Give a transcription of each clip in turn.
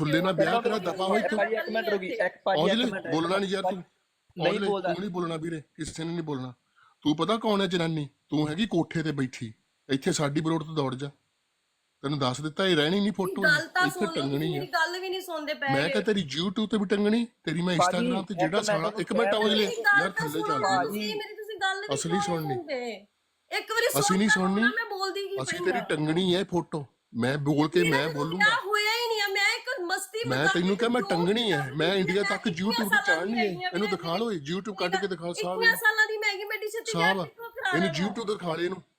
ਸੁੱਲੇ ਨਾਲ ਵਿਆਹ ਕਰਾ ਦਫਾ ਹੋਈ ਤੂੰ ਭਾਜੀ ਇੱਕ ਮਿੰਟ ਰੁਕੀ, ਇੱਕ ਭਾਜੀ ਔਜਲੇ ਇੱਕ ਮਿੰਟ ਬੋਲਣਾ ਨਹੀਂ ਯਾਰ ਤੂੰ ਨਹੀਂ ਔਜਲੇ ਬੋਲਦਾ। ਤੂੰ ਨਹੀਂ ਬੋਲਣਾ ਵੀਰੇ, ਕਿਸੇ ਨੇ ਨਹੀਂ ਬੋਲਣਾ। ਤੂੰ ਪਤਾ ਕੌਣ ਹੈ ਜਨਾਨੀ? ਤੂੰ ਹੈਗੀ ਕੋਠੇ ਤੇ ਬੈਠੀ, ਇੱਥੇ ਸਾਡੀ ਬਰੋਡ ਤੋਂ ਦੌੜ ਜਾ। ਤੈਨੂੰ ਦੱਸ ਦਿੱਤਾ ਇਹ ਰਹਿਣੀ ਨਹੀਂ ਫੋਟੋ, ਗੱਲ ਤਾਂ ਇੱਥੇ ਸੁਣ ਲਓ, ਟੰਗਣੀ ਮੇਰੀ ਆ। ਗੱਲ ਵੀ ਨਹੀਂ ਸੁਣਦੇ ਪਏ। ਮੈਂ ਕਿਹਾ ਤੇਰੀ YouTube ਤੇ ਵੀ ਟੰਗਣੀ, ਤੇਰੀ ਮੈਂ ਭਾਜੀ, Instagram ਤੇ ਜਿਹੜਾ ਇੱਕ ਸਾਲਾ ਮਿੰਟ ਇੱਕ ਮਿੰਟ ਔਜਲੇ ਮੇਰੀ ਗੱਲ ਯਾਰ ਤਾਂ ਥੱਲੇ ਸੁਣੋ ਚੱਲ ਨਾ ਤੂੰ। ਤੁਸੀਂ, ਮੇਰੀ ਤੁਸੀਂ ਗੱਲ ਵੀ ਅਸਲੀ ਕਿਉਂ ਸੁਣਨੀ। ਸੁਣਦੇ? ਇੱਕ ਵਾਰੀ ਅਸੀਂ ਨਹੀਂ ਸੁਣਨੀ, ਮੈਂ ਬੋਲਦੀ ਕੀ ਅਸੀਂ ਪਈ ਤੇਰੀ ਹਾਂ। ਟੰਗਣੀ ਹੈ ਫੋਟੋ, ਮੈਂ ਬੋਲ ਕੇ ਮੈਂ ਬੋਲੂੰਗਾ। ਵਿਆਹ ਹੋਇਆ ਹੀ ਨਹੀਂ ਆ, ਮੈਂ ਇੱਕ ਮਸਤੀ ਮੈਂ ਮਜ਼ਾਕ ਤੈਨੂੰ ਕਿਹਾ ਮੈਂ ਜੋ ਟੰਗਣੀ ਹੈ, ਵੀ ਮੈਂ ਇੰਡੀਆ ਮੈਂ ਤੱਕ ਇੱਕੀਆਂ YouTube ਤੇ ਸਾਲਾਂ ਚਾੜਨੀ ਹੈ। ਦੀ ਇਹਨੂੰ ਦਿਖਾ ਲਓ, YouTube ਕੱਢ ਕੇ ਦਿਖਾ ਸਾਹਿਬ 21 ਸਾਲਾਂ ਦੀ ਮੈਗੀ ਬੇਟੀ ਛੱਤੀ ਸਾਹਿਬ ਵਿਆਹ ਕਿੱਥੋਂ ਕਰਾ ਇਹਨੂੰ ਲੈਣਾ? YouTube ਤੇ ਦਿਖਾ ਲੈ ਇਹਨੂੰ।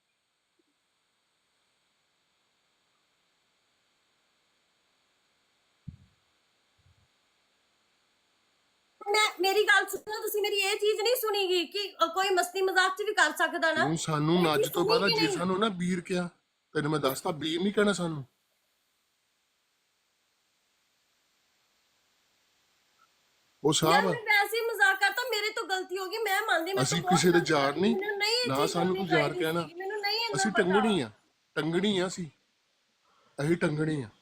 ਮੇਰੀ ਗੱਲ ਸੁਣੋ ਤੁਸੀਂ, ਮੇਰੀ ਇਹ ਚੀਜ਼ ਨਹੀਂ ਸੁਣੀਗੀ ਕਿ ਕੋਈ ਮਸਤੀ ਮਜ਼ਾਕ ਚ ਵੀ ਕਰ ਸਕਦਾ ਨਾ। ਤੂੰ ਸਾਨੂੰ ਇਹ ਅੱਜ ਚੀਜ਼ ਤੋਂ ਬਾਅਦ ਸੁਣੀ ਕਿ ਜੇ ਨਹੀਂ? ਸਾਨੂੰ ਨਾ ਵੀਰ ਕਿਹਾ, ਤੈਨੂੰ ਮੈਂ ਦੱਸਤਾ ਵੀਰ ਨਹੀਂ ਕਹਿਣਾ ਸਾਨੂੰ। ਉਹ ਯਾਰ ਸਾਹਿਬ ਮੈਂ ਵੈਸੇ ਹੀ ਮਜ਼ਾਕ ਕਰਤਾ, ਮੇਰੇ ਤੋਂ ਗਲਤੀ ਹੋ ਗਈ, ਮੈਂ ਮੰਨਦੀ। ਮੈਂ ਅਸੀਂ ਕਿਸੇ ਦੇ ਯਾਰ ਨਹੀਂ, ਮੈਨੂੰ ਨਹੀਂ ਇਹ ਨਾ ਚੀਜ਼ ਸਾਨੂੰ ਤੂੰ ਕਰਨੀ ਯਾਰ ਚਾਹੀਦੀ ਕਹਿਣਾ। ਸੀਗੀ, ਮੈਨੂੰ ਨਹੀਂ ਇੰਨਾ ਅਸੀਂ ਪਤਾ। ਟੰਗਣੀ ਆ, ਟੰਗਣੀ ਆ ਅਸੀਂ ਟੰਗਣੀ ਆ।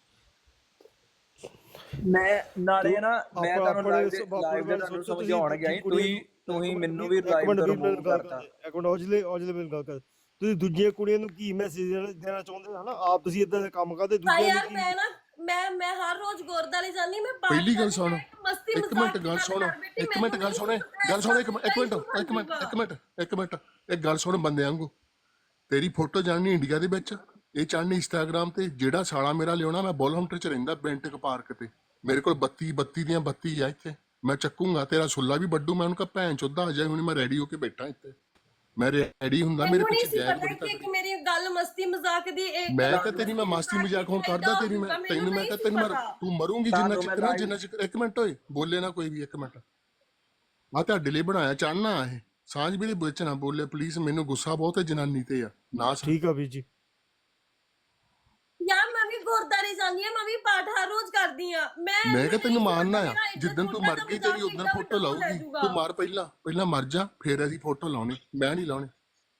ਮੈਂ ਨਾਲੇ ਨਾ ਮੈਂ ਤੁਹਾਨੂੰ ਲਾਈਵ ਦੇ ਗੱਲ ਤੁਹਾਨੂੰ ਸੋਚੋ, ਸਮਝਾਉਣ ਗਿਆ ਤੁਸੀਂ ਮੈਨੂੰ ਵੀ ਲਾਈਵ ਤੋਂ ਰਿਮੂਵ ਕਰਤਾ। ਇੱਕ ਮਿੰਟ ਔਜਲੇ ਮੇਰੀ ਗੱਲ ਕਰ। ਤੁਸੀਂ ਦੂਜੀਆਂ ਕੁੜੀਆਂ ਨੂੰ ਕੀ ਮੈਸੇਜ ਦੇਣਾ ਚਾਹੁੰਦੇ ਹੋ ਨਾ? ਆਪ ਤੁਸੀਂ ਇਦਾਂ ਦੇ ਕੰਮ ਕਰਦੇ, ਦੂਜਿਆਂ ਯਾਰ ਨੂੰ ਮੈਂ ਨਾ ਮੈਂ ਹਰ ਰੋਜ਼ ਗੁਰਦਾਰੇ ਜਾਂਦੀ, ਮੈਂ ਪਹਿਲੀ ਗੱਲ ਸੁਣ, ਮਸਤੀ ਇੱਕ ਮਿੰਟ ਗੱਲ ਸੁਣ, ਇੱਕ ਮਿੰਟ ਗੱਲ ਸੁਣ, ਗੱਲ ਸੁਣ, ਇੱਕ ਮਿੰਟ ਇੱਕ ਗੱਲ ਸੁਣ ਬੰਦੇ ਵਾਂਗੂ। ਤੇਰੀ ਫੋਟੋ ਜਾਣੀ ਇੰਡੀਆ ਦੇ ਵਿੱਚ, ਇਹ ਚਾਹਣੀ ਇੰਸਟਾਗ੍ਰਾਮ ਤੇ। ਜਿਹੜਾ ਸਾਲਾ ਮੇਰਾ ਲਿਆਉਣਾ, ਮੈਂ ਬੋਲਹੰਟਰ ਚ ਰਹਿੰਦਾ, ਬੈਂਟਕ ਪਾਰਕ ਤੇ। ਮੇਰੇ ਕੋਲ 32 ਦੀਆਂ 32 ਆ ਇੱਥੇ। ਮੈਂ ਚੱਕੂੰਗਾ ਤੇਰਾ ਸੁੱਲਾ ਵੀ ਵੱਡੂ। ਮੈਂ ਉਹਨੂੰ ਕਹਾਂ ਭੈਣ ਚੋਦਾ ਆ ਜਾਏ, ਹੁਣ ਮੈਂ ਰੈਡੀ ਹੋ ਕੇ ਬੈਠਾ ਇੱਥੇ। ਮੈਂ ਰੈਡੀ ਹੁੰਦਾ, ਮੇਰੇ ਪਿੱਛੇ ਜਾਇਆ ਬੜੀ ਤੱਕ। ਮੇਰੀ ਗੱਲ ਮਸਤੀ ਮਜ਼ਾਕ ਦੀ ਮੈਂ ਤਾਂ ਤੇਰੀ ਮੈਂ ਮਸਤੀ ਮਜ਼ਾਕ ਹੁਣ ਕਰਦਾ ਤੇਰੀ, ਮੈਂ ਤੈਨੂੰ ਮੈਂ ਕਿਹਾ ਤੈਨੂੰ ਤੂੰ ਮਰੂੰਗੀ ਜਿੰਨਾ ਚਿਰ ਇੱਕ ਮਿੰਟ ਹੋਏ ਬੋਲੇ ਨਾ ਕੋਈ ਵੀ। ਇੱਕ ਮਿੰਟ ਆ ਤੁਹਾਡੇ ਲਈ ਬਣਾਇਆ ਚਾਹਨਾ ਇਹ ਸਾਂਝ ਵੀ ਦੇ ਵਿੱਚ ਨਾ ਬੋਲੇ ਪਲੀਜ਼। ਮੈਨੂੰ ਗੁੱਸਾ ਬਹੁਤ ਹੈ ਜਨਾਨੀ ਤੇ ਆ ਨਾ। ਠੀਕ ਆ ਵੀਰ ਜੀ। ਯਾਰ ਮੈਂ ਵੀ ਗੁਰਦਾਰੇ ਜਾਂਦੀ ਆ, ਮੈਂ ਵੀ ਪਾਠ ਹਰ ਰੋਜ਼ ਕਰਦੀ ਆ। ਮੈਂ ਕਿਹਾ ਤੈਨੂੰ ਮਾਰਨਾ ਆ, ਜਿੱਦਣ ਤੂੰ ਮਰ ਗਈ ਤੇਰੀ ਉਦੋਂ ਫੋਟੋ ਲਾਊਗੀ। ਤੂੰ ਮਾਰ ਪਹਿਲਾਂ ਮਰ ਜਾ, ਫੇਰ ਅਸੀਂ ਫੋਟੋ ਲਾਉਣੀ, ਮੈਂ ਨਹੀਂ ਲਾਉਣੀ।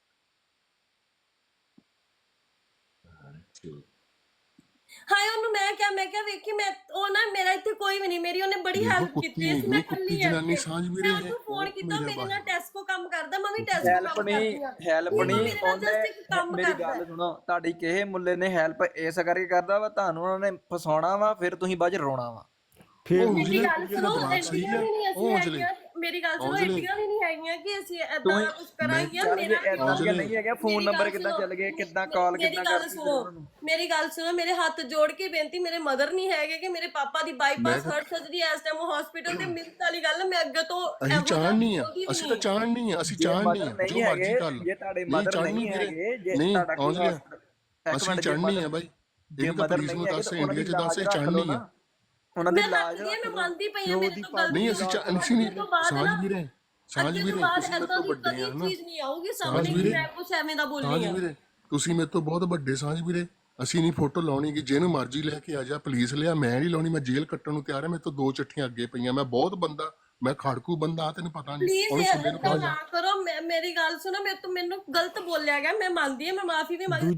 ਹਾਏ ਉਹਨੂੰ ਮੈਂ ਕਿਹਾ ਵੇਖੀ ਮੈਂ ਉਹ ਨਾ ਮੇਰਾ ਇੱਥੇ ਕੋਈ ਵੀ ਨਹੀਂ, ਮੇਰੀ ਉਹਨੇ ਬੜੀ ਹੈਲਪ ਕੀਤੀ ਇਸ ਮੈਂ ਕੁੱਤੀ ਜਨਾਨੀ ਸਾਂਝ ਵੀਰੇ ਮੈਂ ਉਹਨੂੰ ਫੋਨ ਕੀਤਾ, ਮੇਰੇ ਨਾਲ ਟੈਸਕੋ ਕੰਮ ਕਰਦਾ, ਮੈਂ ਵੀ ਟੈਸਕੋ ਹੈਲਪ ਕੰਮ ਨਹੀਂ ਕਰਦੀ ਹੈਲਪ ਨਹੀਂ ਕੰਮ ਮੇਰੀ ਕਰਦਾ। ਗੱਲ ਸੁਣੋ, ਤੁਹਾਡੀ ਕਿਸੇ ਮੁੱਲੇ ਨੇ ਹੈਲਪ ਇਸ ਕਰਕੇ ਕਰਦਾ ਵਾ, ਤੁਹਾਨੂੰ ਉਹਨਾਂ ਨੇ ਫਸਾਉਣਾ ਵਾ, ਫਿਰ ਤੁਸੀਂ ਬਾਅਦ ਚ ਰੋਣਾ ਵਾ। ਫਿਰ ਮੇਰੀ ਗੱਲ ਸੁਣੋ, ਐਡੀਆਂ ਵੀ ਨਹੀਂ ਅਸੀਂ ਹੈਗੀਆਂ। ਮੇਰੀ ਗੱਲ ਸੁਣੋ, ਐਡੀਆਂ ਵੀ ਨਹੀਂ ਹੈਗੀਆਂ ਕਿ ਅਸੀਂ ਏਦਾਂ ਕੁਝ ਕਰਾਂਗੇ। ਮੇਰਾ ਨਹੀਂ ਹੈਗਾ ਫੋਨ ਨੰਬਰ ਕਿੱਦਾਂ ਚੱਲ ਗਏ, ਕਿੱਦਾਂ ਕਾਲ ਕਿੱਦਾਂ ਕਰਦੀ। ਮੇਰੀ ਗੱਲ ਸੁਣੋ, ਮੇਰੇ ਹੱਥ ਜੋੜ ਕੇ ਬੇਨਤੀ, ਮੇਰੇ ਮਦਰ ਨਹੀਂ ਹੈਗੇ ਕਿ ਮੇਰੇ ਪਾਪਾ ਦੀ ਬਾਈਪਾਸ ਹਾਰਟ ਸਰਜਰੀ ਇਸ ਟਾਈਮ ਹਸਪੀਟਲ ਤੇ ਮਿੰਟ ਵਾਲੀ ਗੱਲ। ਮੈਂ ਅੱਗੇ ਤੋਂ ਅਸੀਂ ਚਾਹਣੀ ਆ, ਅਸੀਂ ਤਾਂ ਚਾਹਣੀ ਆ, ਅਸੀਂ ਚਾਹਣੀ ਆ ਜੋ ਮਰਜ਼ੀ ਕਰ ਲਓ। ਜੇ ਤੁਹਾਡੇ ਮਦਰ ਨਹੀਂ ਹੈਗੇ, ਜੇ ਤੁਹਾਡਾ ਕੋਈ ਅਸੀਂ ਚਾਹਣੀ ਆ ਬਾਈ। ਜੇ ਮਦਰ ਨਹੀਂ ਹੈਗੇ ਤਾਂ ਇੰਡੀਆ ਚ ਦੱਸ ਚਾਹਣੀ ਆ। ਉਹਨਾਂ ਦੀ ਲਾਜ ਮੈਂ ਮੰਨਦੀ ਪਈ ਆ, ਮੇਰੇ ਤੋਂ ਗਲਤੀ ਨਹੀਂ ਅਸੀਂ ਨਹੀਂ ਸਾਂਝ ਵੀਰੇ, ਸਾਂਝ ਵੀਰੇ ਤੁਸੀਂ ਮੇਰੇ ਤੋਂ ਵੱਡੇ ਆ ਨਾ। ਚੀਜ਼ ਨਹੀਂ ਆਊਗੀ ਸਾਹਮਣੇ ਮੈਂ ਕੁਝ ਐਵੇਂ ਦਾ ਬੋਲਣੀ ਸਾਂਝ ਵੀਰੇ ਤੁਸੀਂ ਮੇਰੇ ਤੋਂ ਬਹੁਤ ਵੱਡੇ। ਸਾਂਝ ਵੀਰੇ ਅਸੀਂ ਨਹੀਂ ਫੋਟੋ ਲਾਉਣੀ, ਕਿ ਜਿਹਨੂੰ ਮਰਜ਼ੀ ਲੈ ਕੇ ਆ ਜਾ, ਪੁਲਿਸ ਲਿਆ, ਮੈਂ ਨਹੀਂ ਲਾਉਣੀ। ਮੈਂ ਜੇਲ੍ਹ ਕੱਟਣ ਨੂੰ ਤਿਆਰ ਆ, ਮੇਰੇ ਤੋਂ 2 ਚਿੱਠੀਆਂ ਅੱਗੇ ਪਈਆਂ। ਮੈਂ ਬਹੁਤ ਬੰਦਾ, ਮੈਂ ਖੜਕੂ ਬੰਦਾ, ਤੈਨੂੰ ਪਤਾ ਨਹੀਂ। ਪਲੀਜ਼ ਇਹ ਨਾ ਕਰੋ, ਮੇਰੀ ਗੱਲ ਸੁਣੋ, ਮੈਨੂੰ ਗਲਤ ਬੋਲਿਆ ਗਿਆ, ਮੈਂ ਮੰਨਦੀ ਆ, ਮੈਂ ਮਾਫੀ ਵੀ ਮੰਗ